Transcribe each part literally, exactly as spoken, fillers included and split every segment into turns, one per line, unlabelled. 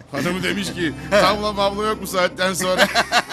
Hanım demiş ki tavla mavla yok bu saatten sonra.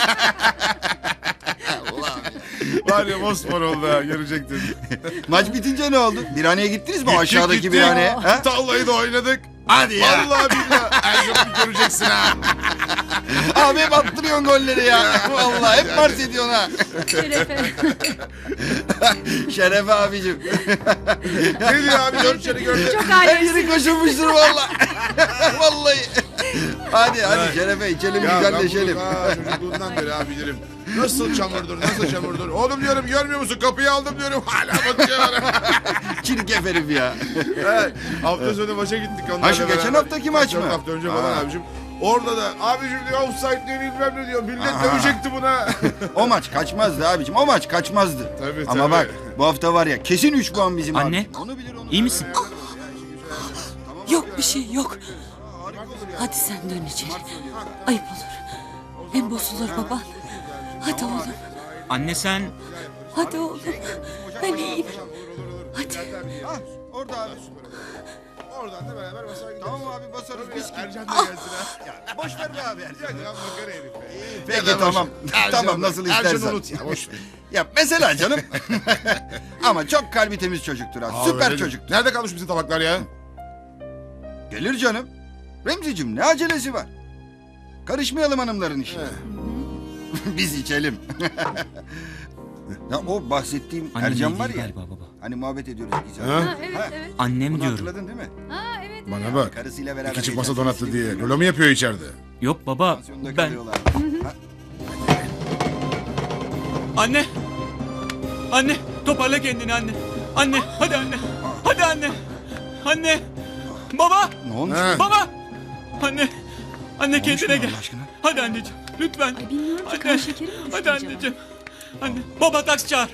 Var ya mosmor oldu ha, görecektin.
Maç bitince ne oldu? Birhaneye gittiniz mi?
Gittik,
Aşağıdaki
gittik.
birhaneye. Ha?
Tavlayı da oynadık.
Hadi ya.
Vallahi billahi. Ercan'ı göreceksin ha.
Abi hep attırıyorsun golleri ya. Vallahi hep mars ediyorsun ha.
Şerefe.
Şerefe abicim.
Ne diyor abi, dört seni gördü.
Çok
Her
alemsin.
yeri koşulmuştur vallahi. Vallahi. Hadi hadi Şerefe içelim
Ya ben
güzelleşelim.
bunu ha, çocukluğundan beri abi bilirim. Nasıl çamurdur, nasıl çamurdur. Oğlum diyorum, görmüyor musun? Kapıyı aldım diyorum. Hala bakıyor bana.
Çirkef herif ya.
Evet, hafta sonu maça gittik onlarla
Ha, şu geçen
beraber.
haftaki maç mı?
Dört hafta önce falan
Ha.
abicim. Orada da abicim diyor offside diyor bilmem ne diyor. Millet
Aha.
dövecekti buna.
O maç kaçmazdı abicim. O maç kaçmazdı.
Tabii,
Ama
tabii.
bak bu hafta var ya kesin üç puan bizim
Anne,
abi. Onu bilir onu.
İyi misin?
Yok bir şey yok. Hadi sen dön içeri. Ayıp olur. Hem bozulur baban. Hadi oğlum.
Anne sen...
Hadi oğlum. Ben iyiyim. Hadi.
Ha, orada abi.
Oradan da beraber basar gideriz.
Tamam abi basarız biz ki.
Ercan da gelsin ha.
Ya, boş ver be abi Ercan.
Ya makara herif be.
Peki
Ya da
tamam.
boş ver. Ercan
Tamam
da-
nasıl
Ercan'ı
istersen.
unut ya, boş ver.
Ya mesela canım. Ama çok kalbi temiz çocuktur ha.
Abi,
Süper
öyle-
çocuktur.
Nerede kalmış bizim tabaklar ya?
Gelir canım. Remzicim ne acelesi var? Karışmayalım hanımların işine. Biz içelim. Ya o bahsettiğim
Annem
Ercan
iyi
var
değil
ya.
galiba baba.
Hani muhabbet ediyoruz iki saat.
Ha?
Ha, evet evet.
Annem
Bunu
diyorum.
hatırladın değil mi?
Ha evet.
Bana bak.
Karısıyla beraber
İki çift masa
geçen
donattı
sene
diye.
İstanbul'da
Lolo mu yapıyor içeride?
Yok baba,
pansiyonda
ben...
kalıyorlar. Ha?
Anne! Anne! Toparla kendini anne! Anne! Hadi anne! Hadi anne! Anne! Baba!
Ne olmuş?
Ha?
Baba! Anne! Anne
olmuş
kendine
buna
gel.
Allah aşkına?
Hadi anneciğim, lütfen.
Ay bilmiyorum ki
Anne!
kan şekerim mi düştü
Hadi
acaba?
anneciğim. Anne! Baba taksi çağır.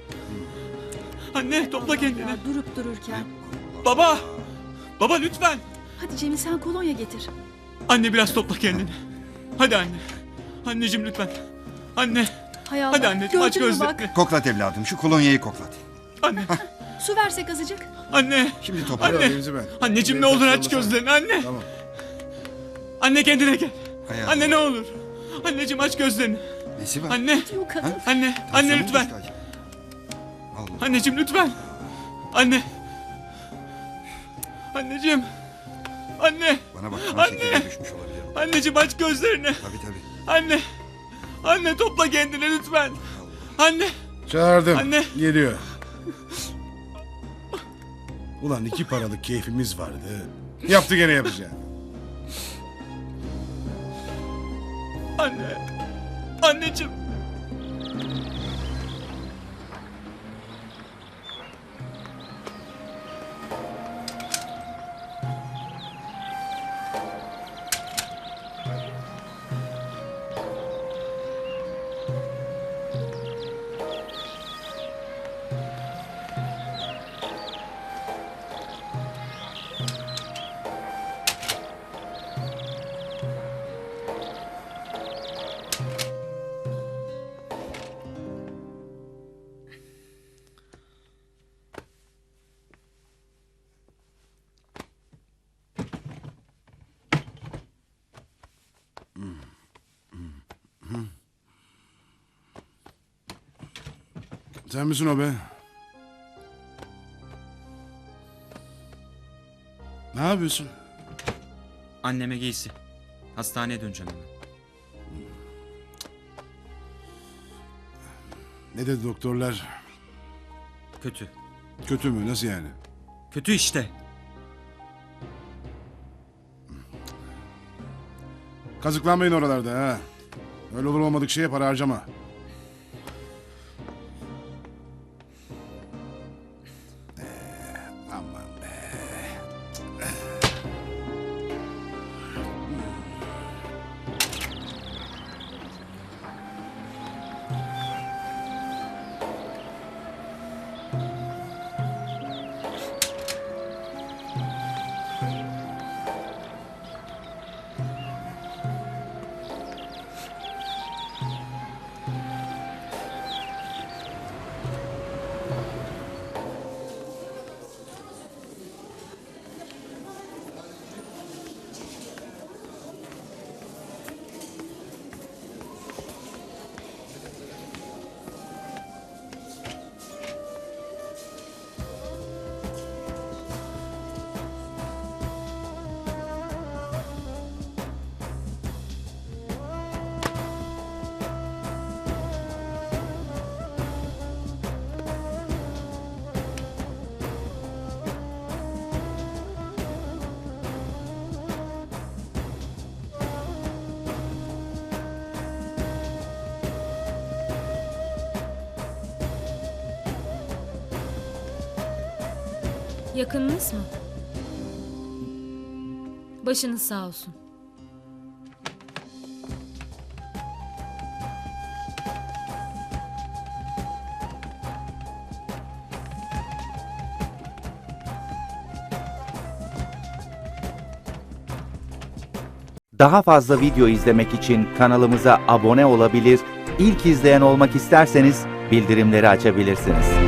Anne topla kendini.
Ya, durup dururken.
Baba! Baba lütfen.
Hadi Cemil sen kolonya getir.
Anne biraz topla kendini. Hadi anne. Anneciğim lütfen. Anne.
Hay Allah.
Hadi anneciğim aç
Gördün mü bak?
gözlerini.
Koklat evladım şu kolonyayı koklat.
Anne.
Su versek azıcık.
Anne.
Şimdi toparla.
Anne.
Remzi ben.
Anneciğim ne
Benim
olur aç
taksi yollasana.
gözlerini anne.
Tamam.
Anne kendine gel.
Hayatım.
Anne ne olur. Anneciğim aç gözlerini.
Nesi var?
Anne.
Yok kadın.
Anne. Anne
Tansiyonu
lütfen.
düştü acaba. Allah.
Anneciğim lütfen. Anne. Anneciğim. Anne.
Bana bak kan
Anne.
şekeri düşmüş olabilir.
Anneciğim aç gözlerini.
Tabii tabii.
Anne. Anne topla kendini lütfen. Anne.
Çağırdım.
Anne.
Geliyor. Ulan iki paralık keyfimiz vardı. Yaptı gene yapacağım.
Anne. Anneciğim.
Sen misin o be? Ne yapıyorsun?
Anneme giysi. Hastaneye döneceğim hemen.
Ne dedi doktorlar?
Kötü.
Kötü mü? Nasıl yani?
Kötü işte.
Kazıklanmayın oralarda ha. Öyle olur olmadık şeye para harcama. Ee, aman be.
Yakınınız mı? Başınız sağ olsun.
Daha fazla video izlemek için kanalımıza abone olabilir, ilk izleyen olmak isterseniz bildirimleri açabilirsiniz.